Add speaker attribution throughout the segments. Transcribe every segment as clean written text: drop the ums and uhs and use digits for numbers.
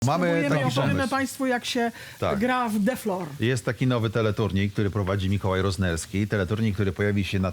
Speaker 1: Mamy taki
Speaker 2: opowiemy
Speaker 1: pomysł.
Speaker 2: Państwu, jak się
Speaker 1: Tak.
Speaker 2: gra w Deflor.
Speaker 1: Jest taki nowy teleturniej, który prowadzi Mikołaj Roznerski. Teleturniej, który pojawi się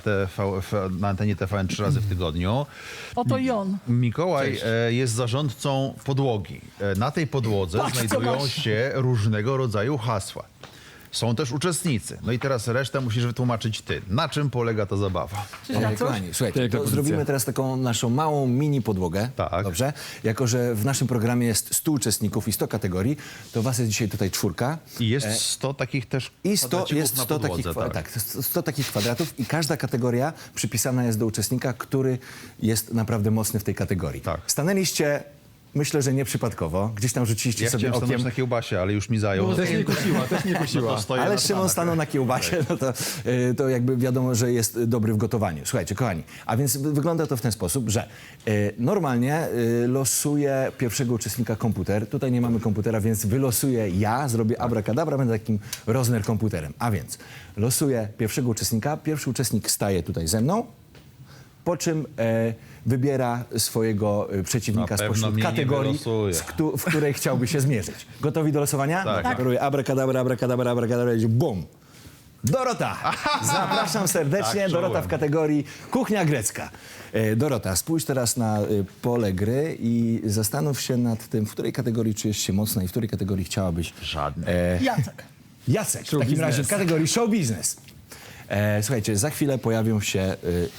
Speaker 1: na antenie TVN 3 razy w tygodniu.
Speaker 2: Oto i on.
Speaker 1: Mikołaj jest zarządcą podłogi. Na tej podłodze
Speaker 2: Patrz, co
Speaker 1: znajdują
Speaker 2: masz.
Speaker 1: się różnego rodzaju hasła. Są też uczestnicy. No i teraz resztę musisz wytłumaczyć ty. Na czym polega ta zabawa?
Speaker 3: Kochani, słuchajcie,
Speaker 4: Piękna
Speaker 3: to
Speaker 4: pozycja.
Speaker 3: zrobimy teraz taką naszą małą mini podłogę.
Speaker 1: Tak.
Speaker 3: Dobrze? Jako że w naszym programie jest 100 uczestników i 100 kategorii, to was jest dzisiaj tutaj 4.
Speaker 1: I jest 100 takich też
Speaker 3: I 100,
Speaker 1: kwadracików
Speaker 3: jest
Speaker 1: na
Speaker 3: 100 takich,
Speaker 1: podłodze, tak.
Speaker 3: 100 takich kwadratów i każda kategoria przypisana jest do uczestnika, który jest naprawdę mocny w tej kategorii.
Speaker 1: Tak.
Speaker 3: Stanęliście, myślę, że nieprzypadkowo. Gdzieś tam rzuciliście
Speaker 1: Ja
Speaker 3: sobie
Speaker 1: chciałem stanąć
Speaker 3: okiem.
Speaker 1: na kiełbasie, ale już mi zajął.
Speaker 4: Też nie kusiła, też nie kusiła.
Speaker 1: To stoję
Speaker 3: Ale
Speaker 1: na
Speaker 3: Szymon
Speaker 1: planach.
Speaker 3: stanął na kiełbasie, no to jakby wiadomo, że jest dobry w gotowaniu. Słuchajcie, kochani, a więc wygląda to w ten sposób, że normalnie losuje pierwszego uczestnika komputer. Tutaj nie mamy komputera, więc wylosuję ja, zrobię abracadabra, będę takim Rozner komputerem. A więc losuję pierwszego uczestnika, pierwszy uczestnik staje tutaj ze mną, po czym wybiera swojego przeciwnika
Speaker 1: Na pewno
Speaker 3: spośród
Speaker 1: mnie nie
Speaker 3: kategorii,
Speaker 1: wylosuje.
Speaker 3: w której chciałby się zmierzyć. Gotowi do losowania?
Speaker 1: Tak.
Speaker 3: No, robię abracadabra, abracadabra, abracadabra i bum! Dorota! Zapraszam serdecznie.
Speaker 1: Tak,
Speaker 3: Dorota
Speaker 1: czułem.
Speaker 3: w kategorii kuchnia grecka. Dorota, spójrz teraz na pole gry i zastanów się nad tym, w której kategorii czujesz się mocna i w której kategorii chciałabyś...
Speaker 1: Żadny.
Speaker 2: Jacek.
Speaker 3: Jacek, w
Speaker 4: Show
Speaker 3: takim
Speaker 4: business.
Speaker 3: razie w kategorii show business. Słuchajcie, za chwilę pojawią się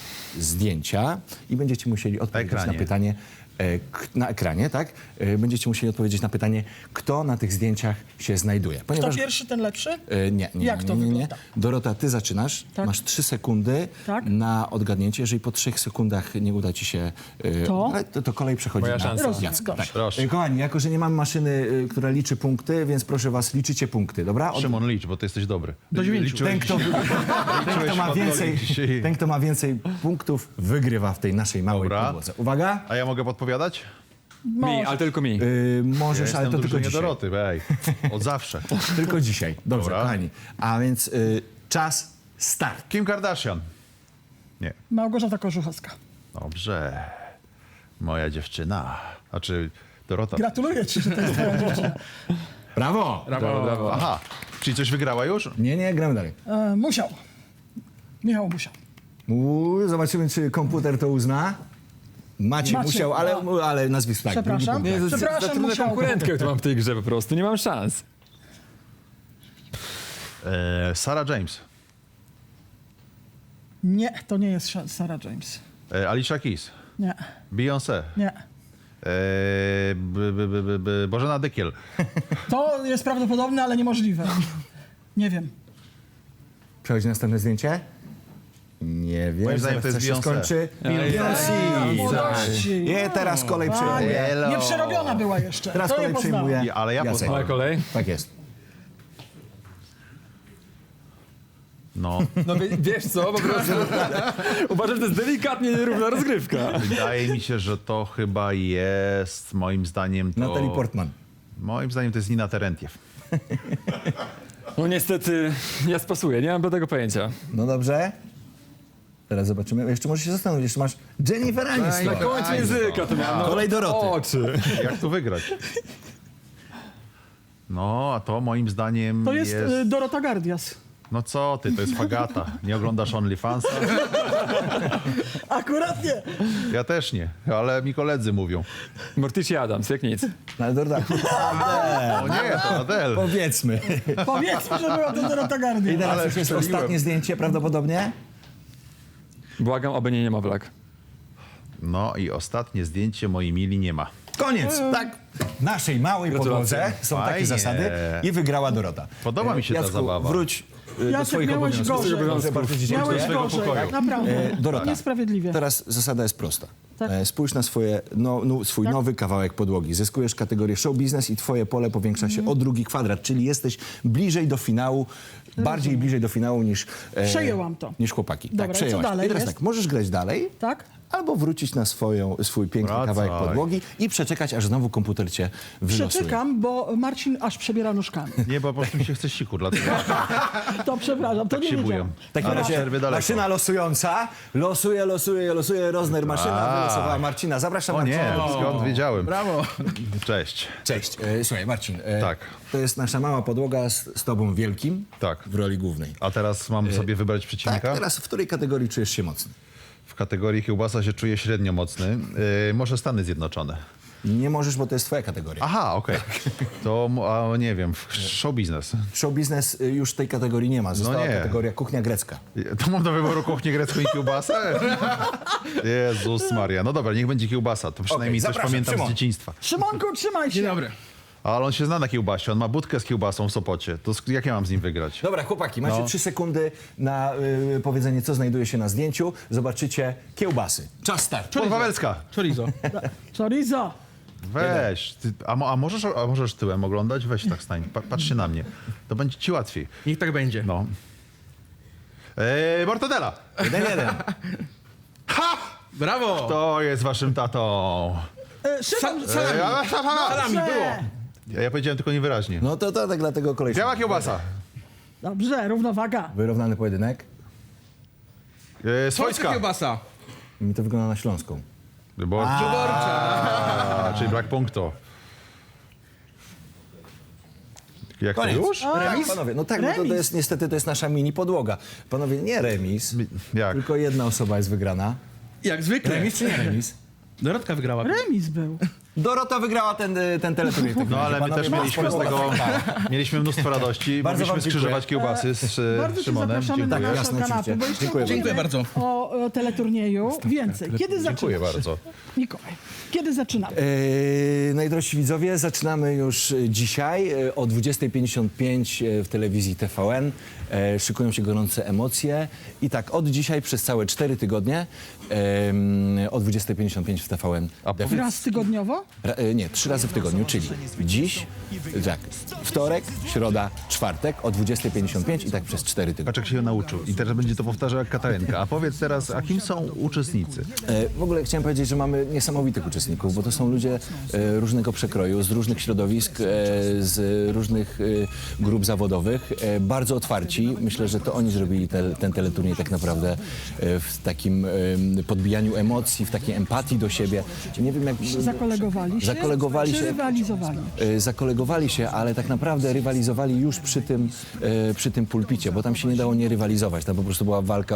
Speaker 3: zdjęcia i będziecie musieli odpowiedzieć na
Speaker 1: ekranie.
Speaker 3: pytanie, na ekranie, tak? Będziecie musieli odpowiedzieć na pytanie, kto na tych zdjęciach się znajduje.
Speaker 2: Kto pierwszy, ten lepszy?
Speaker 3: Nie.
Speaker 2: Jak to
Speaker 3: nie.
Speaker 2: wygląda?
Speaker 3: Dorota, ty zaczynasz.
Speaker 2: Tak.
Speaker 3: Masz 3 sekundy
Speaker 2: Tak.
Speaker 3: na odgadnięcie. Jeżeli po 3 sekundach nie uda ci się...
Speaker 2: To?
Speaker 3: to kolej przechodzi
Speaker 4: Moja
Speaker 3: na
Speaker 4: szansa.
Speaker 2: Rozumiem,
Speaker 3: Jacka.
Speaker 2: dobrze.
Speaker 3: Tak.
Speaker 1: Proszę.
Speaker 3: Kochani, jako że nie mam maszyny, która liczy punkty, więc proszę was, liczycie punkty, dobra?
Speaker 1: Szymon, licz, bo ty jesteś dobry.
Speaker 2: Do 9.
Speaker 3: Ten, kto ma więcej punktów, wygrywa w tej naszej małej
Speaker 1: Dobra.
Speaker 3: podłodze. Uwaga,
Speaker 1: A ja mogę podpowiadać?
Speaker 4: Mi, ale tylko mi.
Speaker 3: możesz,
Speaker 1: Jestem
Speaker 3: ale to tylko
Speaker 1: drużynie
Speaker 3: dzisiaj.
Speaker 1: Doroty, ej. Od zawsze.
Speaker 3: Tylko dzisiaj. Dobrze,
Speaker 1: Dobra.
Speaker 3: kochani. A więc czas start.
Speaker 1: Kim Kardashian? Nie.
Speaker 2: Małgorzata Korzuchowska.
Speaker 1: Dobrze. Moja dziewczyna. Znaczy Dorota.
Speaker 2: Gratuluję ci, że to jest twoja dziewczyna.
Speaker 3: Brawo!
Speaker 4: Brawo, brawo.
Speaker 1: Aha. Czyli coś wygrała już?
Speaker 3: Nie, gramy dalej.
Speaker 2: Musiał. Michał Musiał.
Speaker 3: Zobaczymy, czy komputer to uzna. Maciej
Speaker 2: Maciej,
Speaker 3: musiał, ale nazwisko tak.
Speaker 2: Przepraszam.
Speaker 3: drugi punkt.
Speaker 4: Nie,
Speaker 2: Przepraszam,
Speaker 4: za trudną
Speaker 2: musiałbym.
Speaker 4: konkurentkę, którą mam w tej grze po prostu. Nie mam szans.
Speaker 1: Sarah James.
Speaker 2: Nie, to nie jest Sarah James.
Speaker 1: Alicia Keys.
Speaker 2: Nie,
Speaker 1: Beyoncé.
Speaker 2: nie.
Speaker 1: Bożena Dykiel.
Speaker 2: To jest prawdopodobne, ale niemożliwe. Nie wiem.
Speaker 3: Przechodzi następne zdjęcie. Nie wiem.
Speaker 1: Moim zdaniem
Speaker 3: zaraz
Speaker 1: to jest
Speaker 3: coś się
Speaker 1: Beyoncé.
Speaker 3: skończy.
Speaker 2: Ej, młodości.
Speaker 3: Nie, teraz kolej przejmuje.
Speaker 1: Hello.
Speaker 2: Nieprzerobiona była jeszcze.
Speaker 3: Teraz
Speaker 2: to
Speaker 3: kolej
Speaker 2: nie poznałem.
Speaker 3: przejmuje.
Speaker 1: Ale ja
Speaker 3: Jacek.
Speaker 1: poznałem.
Speaker 4: Moja kolej.
Speaker 3: Tak jest.
Speaker 1: No.
Speaker 4: No wiesz co, po prostu. Uważam, że to jest delikatnie nierówna rozgrywka.
Speaker 1: Wydaje mi się, że to chyba jest, moim zdaniem to...
Speaker 3: Natalie Portman.
Speaker 1: Moim zdaniem to jest Nina Terentiew.
Speaker 4: No niestety, ja spasuję, nie mam do tego pojęcia.
Speaker 3: No dobrze. Teraz zobaczymy. Jeszcze możesz się zastanowić. Jeszcze masz Jennifer
Speaker 4: Na
Speaker 3: Aniston.
Speaker 4: końcu języka to miałem.
Speaker 3: Kolej Doroty.
Speaker 4: Oczy.
Speaker 1: Jak tu wygrać? No, a to moim zdaniem
Speaker 2: To jest Dorota Gardias.
Speaker 1: No co ty, to jest Fagata. Nie oglądasz OnlyFansa?
Speaker 2: Akurat nie.
Speaker 1: Ja też nie, ale mi koledzy mówią.
Speaker 4: Morticia Adams, jak nic.
Speaker 3: No, ale Dorota.
Speaker 1: O nie, to Adele.
Speaker 3: Powiedzmy.
Speaker 2: Powiedzmy, że była to Dorota
Speaker 3: I
Speaker 2: Gardias.
Speaker 3: teraz
Speaker 1: Ale
Speaker 3: już jest
Speaker 1: strzeliłem.
Speaker 3: ostatnie zdjęcie prawdopodobnie.
Speaker 4: Błagam, oby nie niemowlak.
Speaker 1: No i ostatnie zdjęcie mojej mili nie ma.
Speaker 3: Koniec. Tak. W naszej małej
Speaker 4: Gratulacje.
Speaker 3: podłodze są takie
Speaker 1: Fajnie.
Speaker 3: zasady i wygrała Dorota.
Speaker 1: Podoba mi się ta
Speaker 3: Jacku,
Speaker 1: zabawa.
Speaker 3: wróć do
Speaker 2: Jacek,
Speaker 3: swoich
Speaker 2: miałeś
Speaker 3: obowiązków.
Speaker 2: gorzej.
Speaker 3: Dobrze, bardzo ci
Speaker 2: Miałeś
Speaker 3: dziękuję.
Speaker 1: swojego
Speaker 2: gorzej,
Speaker 1: pokoju.
Speaker 2: naprawdę.
Speaker 3: Dorota.
Speaker 2: Niesprawiedliwie.
Speaker 3: Teraz zasada jest prosta.
Speaker 2: Tak.
Speaker 3: Spójrz na swój
Speaker 2: Tak.
Speaker 3: nowy kawałek podłogi. Zyskujesz kategorię show business i twoje pole powiększa się o drugi kwadrat, czyli jesteś bliżej do finału, bardziej bliżej do finału niż
Speaker 2: Przejęłam to.
Speaker 3: niż chłopaki.
Speaker 2: Dobra,
Speaker 3: tak,
Speaker 2: co
Speaker 3: przejęłaś.
Speaker 2: dalej
Speaker 3: I teraz
Speaker 2: jest?
Speaker 3: tak, możesz grać dalej,
Speaker 2: Tak?
Speaker 3: albo wrócić na swój piękny
Speaker 1: Wracaj.
Speaker 3: kawałek podłogi i przeczekać, aż znowu komputer cię wylosuje.
Speaker 2: Przeczekam, bo Marcin aż przebiera nóżkami.
Speaker 1: Nie, bo po prostu mi się chce siku, dlatego
Speaker 2: To przepraszam, to
Speaker 1: tak
Speaker 2: nie
Speaker 1: się
Speaker 2: wiedziałem.
Speaker 1: bują.
Speaker 3: W takim
Speaker 1: Ale
Speaker 3: razie
Speaker 1: przerwy daleko.
Speaker 3: maszyna losująca, losuje, Rozner maszyna wylosowała Marcina. Zapraszam
Speaker 1: O nie,
Speaker 3: Marcina.
Speaker 1: skąd wiedziałem.
Speaker 2: Brawo.
Speaker 1: Cześć.
Speaker 3: Cześć. Słuchaj, Marcin.
Speaker 1: Tak.
Speaker 3: To jest nasza mała podłoga z tobą wielkim
Speaker 1: Tak.
Speaker 3: w roli głównej.
Speaker 1: A teraz mam sobie wybrać
Speaker 3: Tak,
Speaker 1: przeciwnika?
Speaker 3: teraz w której kategorii czujesz się mocny?
Speaker 1: W kategorii kiełbasa się czuję średnio mocny. Może Stany Zjednoczone.
Speaker 3: Nie możesz, bo to jest twoja kategoria.
Speaker 1: Aha, okej. To, nie wiem, show biznes.
Speaker 3: Show biznes już tej kategorii nie ma. Została
Speaker 1: nie.
Speaker 3: kategoria kuchnia grecka.
Speaker 1: To mam do wyboru kuchnię grecką i kiełbasę? Jezus Maria. No dobra, niech będzie kiełbasa. To przynajmniej coś
Speaker 3: zapraszam,
Speaker 1: pamiętam
Speaker 3: Szymon.
Speaker 1: z dzieciństwa.
Speaker 2: Szymonku, trzymaj się.
Speaker 4: Dzień dobry.
Speaker 1: Ale on się zna na kiełbasie. On ma budkę z kiełbasą w Sopocie. To jak ja mam z nim wygrać?
Speaker 3: Dobra, chłopaki, macie 3 sekundy na powiedzenie, co znajduje się na zdjęciu. Zobaczycie kiełbasy. Czas start.
Speaker 1: Podwawelska.
Speaker 4: Chorizo.
Speaker 2: Chorizo.
Speaker 1: Weź. Ty, a możesz tyłem oglądać? Weź tak stań. Patrzcie na mnie. To będzie ci łatwiej.
Speaker 4: Niech tak będzie.
Speaker 1: No. Mortadela.
Speaker 3: 1-1.
Speaker 1: Ha!
Speaker 4: Brawo!
Speaker 1: To jest waszym tatą.
Speaker 2: Szymon,
Speaker 4: Salami było.
Speaker 1: Ja powiedziałem tylko niewyraźnie.
Speaker 3: No to tak dlatego kolej.
Speaker 1: Biała kiełbasa.
Speaker 2: Dobrze, równowaga.
Speaker 3: Wyrównany pojedynek.
Speaker 4: Polska
Speaker 1: Swojska.
Speaker 4: kiełbasa.
Speaker 3: Mi to wygląda na śląską.
Speaker 1: Wyborcza. Czyli brak punktu. Jak to już?
Speaker 3: Tak, panowie, no tak, bo to jest niestety to jest nasza mini podłoga. Panowie, nie remis,
Speaker 1: Jak?
Speaker 3: tylko jedna osoba jest wygrana.
Speaker 4: Jak zwykle.
Speaker 3: Remis czy nie remis?
Speaker 4: Dorotka wygrała.
Speaker 2: Remis był.
Speaker 3: Dorota wygrała ten teleturniej.
Speaker 1: No ale my
Speaker 3: Panowie,
Speaker 1: też
Speaker 3: masz
Speaker 1: mieliśmy z
Speaker 3: podłogę.
Speaker 1: tego, mieliśmy mnóstwo radości.
Speaker 3: Bardzo
Speaker 1: Mogliśmy
Speaker 3: wam dziękuję.
Speaker 1: skrzyżować kiełbasy z
Speaker 2: Bardzo cię
Speaker 1: Szymonem.
Speaker 2: zapraszamy na
Speaker 1: Dziękuję.
Speaker 2: naszą
Speaker 3: Jasne,
Speaker 2: kanapę,
Speaker 3: oczywiście.
Speaker 2: bo jeszcze
Speaker 3: Dziękuję
Speaker 2: opowiemy
Speaker 4: bardzo.
Speaker 2: o teleturnieju więcej. Kiedy zaczynamy?
Speaker 1: Dziękuję bardzo.
Speaker 2: Mikołaj, kiedy zaczynamy?
Speaker 3: Najdrożsi widzowie, zaczynamy już dzisiaj o 20:55 w telewizji TVN. Szykują się gorące emocje. I tak, od dzisiaj przez całe 4 tygodnie o 20:55 w TVN.
Speaker 2: Raz tygodniowo?
Speaker 3: Nie, 3 razy w tygodniu, czyli dziś, tak, wtorek, środa, czwartek o 20:55 i tak przez 4 tygodnie.
Speaker 1: Patrz jak się nauczył. I teraz będzie to powtarzał jak Katarynka. A powiedz teraz, a kim są uczestnicy?
Speaker 3: W ogóle chciałem powiedzieć, że mamy niesamowitych uczestników, bo to są ludzie różnego przekroju, z różnych środowisk, z różnych grup zawodowych, bardzo otwarci. Myślę, że to oni zrobili ten teleturniej tak naprawdę w takim podbijaniu emocji, w takiej empatii do siebie. Nie wiem jak...
Speaker 2: Zakolegowali się?
Speaker 3: Zakolegowali
Speaker 2: Czy
Speaker 3: się.
Speaker 2: rywalizowali?
Speaker 3: Zakolegowali się, ale tak naprawdę rywalizowali już przy tym pulpicie, bo tam się nie dało nie rywalizować. Tam po prostu była walka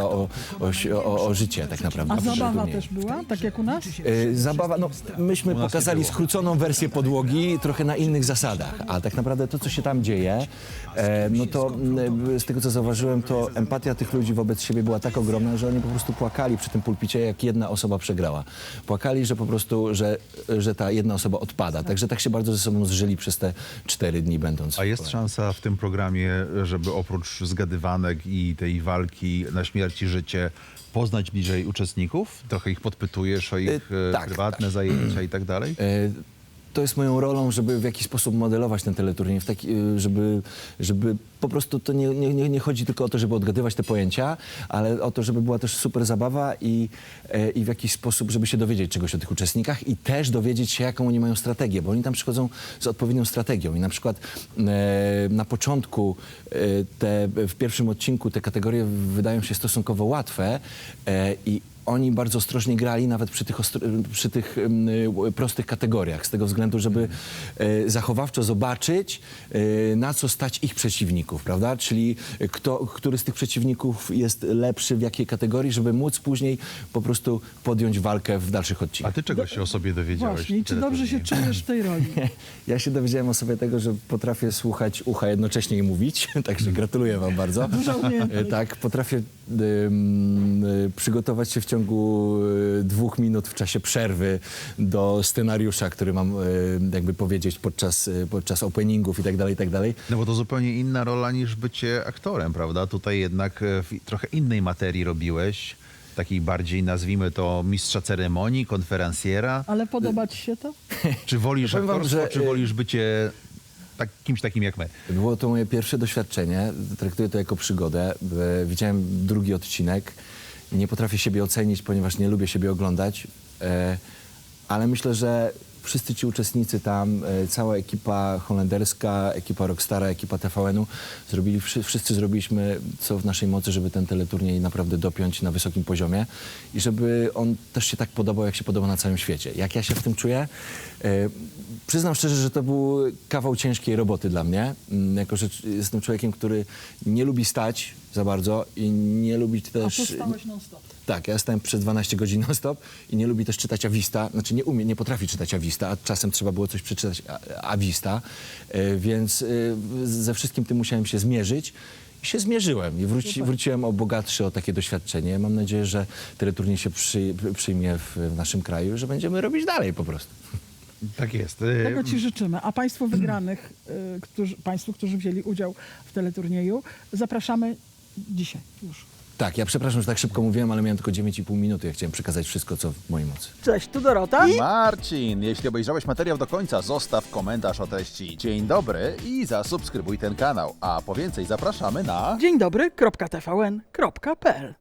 Speaker 3: o życie tak naprawdę.
Speaker 2: A
Speaker 3: przy
Speaker 2: zabawa
Speaker 3: turnieju.
Speaker 2: też była, tak jak u nas?
Speaker 3: Zabawa, no myśmy
Speaker 1: nas
Speaker 3: pokazali
Speaker 1: nie było.
Speaker 3: skróconą wersję podłogi, trochę na innych zasadach, a tak naprawdę to, co się tam dzieje, no to z tego, co zauważyłem, to empatia tych ludzi wobec siebie była tak ogromna, że oni po prostu płakali przy tym pulpicie, jak jedna osoba przegrała. Płakali, że po prostu, że ta jedna osoba odpada. Także tak się bardzo ze sobą zżyli przez te 4 dni będąc.
Speaker 1: A jest szansa w tym programie, żeby oprócz zgadywanek i tej walki na śmierć i życie poznać bliżej uczestników? Trochę ich podpytujesz o ich
Speaker 3: tak,
Speaker 1: prywatne zajęcia i tak dalej?
Speaker 3: To jest moją rolą, żeby w jakiś sposób modelować ten teleturniej, żeby po prostu to nie chodzi tylko o to, żeby odgadywać te pojęcia, ale o to, żeby była też super zabawa i w jakiś sposób, żeby się dowiedzieć czegoś o tych uczestnikach i też dowiedzieć się, jaką oni mają strategię, bo oni tam przychodzą z odpowiednią strategią i na przykład na początku w pierwszym odcinku te kategorie wydają się stosunkowo łatwe i oni bardzo ostrożnie grali nawet przy tych prostych kategoriach, z tego względu, żeby zachowawczo zobaczyć, na co stać ich przeciwników, prawda? Czyli który z tych przeciwników jest lepszy w jakiej kategorii, żeby móc później po prostu podjąć walkę w dalszych
Speaker 1: A
Speaker 3: odcinkach.
Speaker 1: ty czego się o sobie dowiedziałeś?
Speaker 2: Właśnie, i czy dobrze się czujesz w tej roli?
Speaker 3: Ja się dowiedziałem o sobie tego, że potrafię słuchać ucha jednocześnie i mówić, także gratuluję wam bardzo.
Speaker 2: Duża umiejętność.
Speaker 3: Tak, potrafię przygotować się w ciągu 2 minut w czasie przerwy do scenariusza, który mam jakby powiedzieć podczas openingów i tak dalej, i tak dalej.
Speaker 1: No bo to zupełnie inna rola niż bycie aktorem, prawda? Tutaj jednak w trochę innej materii robiłeś, takiej bardziej, nazwijmy to, mistrza ceremonii, konferencjera.
Speaker 2: Ale podoba ci się to?
Speaker 1: Czy wolisz
Speaker 3: Powiem wam,
Speaker 1: aktorstwo,
Speaker 3: że,
Speaker 1: czy wolisz bycie kimś takim jak my?
Speaker 3: Było to moje pierwsze doświadczenie, traktuję to jako przygodę. Widziałem drugi odcinek Nie potrafię siebie ocenić, ponieważ nie lubię siebie oglądać, ale myślę, że wszyscy ci uczestnicy tam, cała ekipa holenderska, ekipa Rockstara, ekipa TVN-u, wszyscy zrobiliśmy co w naszej mocy, żeby ten teleturniej naprawdę dopiąć na wysokim poziomie i żeby on też się tak podobał, jak się podoba na całym świecie. Jak ja się w tym czuję? Przyznam szczerze, że to był kawał ciężkiej roboty dla mnie, jako że jestem człowiekiem, który nie lubi stać za bardzo i nie lubi
Speaker 2: A
Speaker 3: też...
Speaker 2: tu stałeś non-stop.
Speaker 3: Tak, ja stałem przez 12 godzin non-stop i nie lubi też czytać Avista, znaczy nie potrafi czytać Avista, a czasem trzeba było coś przeczytać Avista, więc ze wszystkim tym musiałem się zmierzyć i się zmierzyłem i wróciłem bogatszy o takie doświadczenie. Mam nadzieję, że teleturniej się przyjmie w naszym kraju i że będziemy robić dalej po prostu.
Speaker 1: Tak jest.
Speaker 2: Tego ci życzymy. A państwu wygranych, państwu, którzy wzięli udział w teleturnieju, zapraszamy dzisiaj już.
Speaker 3: Tak, ja przepraszam, że tak szybko mówiłem, ale miałem tylko 9,5 minuty. Ja chciałem przekazać wszystko, co w mojej mocy.
Speaker 2: Cześć, tu Dorota.
Speaker 1: Marcin, jeśli obejrzałeś materiał do końca, zostaw komentarz o treści dzień dobry i zasubskrybuj ten kanał. A po więcej zapraszamy na...
Speaker 2: Dzień dobry, .tvn.pl